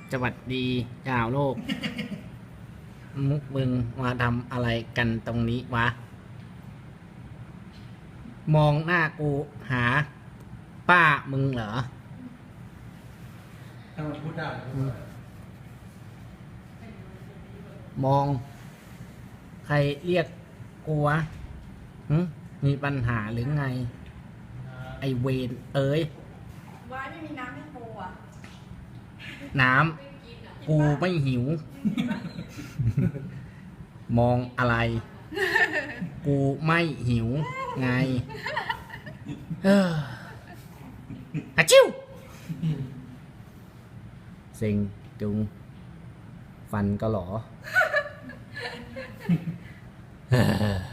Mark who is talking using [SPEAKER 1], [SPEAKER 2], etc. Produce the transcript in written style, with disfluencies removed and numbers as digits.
[SPEAKER 1] สวัสดีชาวโลก มุกมึงมาทำอะไรกันตรงนี้วะ มองหน้ากูหา ป้ามึงเหรอ
[SPEAKER 2] ถ้ามันพูดได้
[SPEAKER 1] มอง ใครเรียกกูวะหึมีปัญหาหรือไง ไอเวนเอ้ย
[SPEAKER 3] ว้ายไม่มีน้ำให้โปอ่ะ
[SPEAKER 1] น้ำกูไม่หิว มองอะไร กูไม่หิว ไงฮัชิวเซ็งจุง ฟันก็หรอ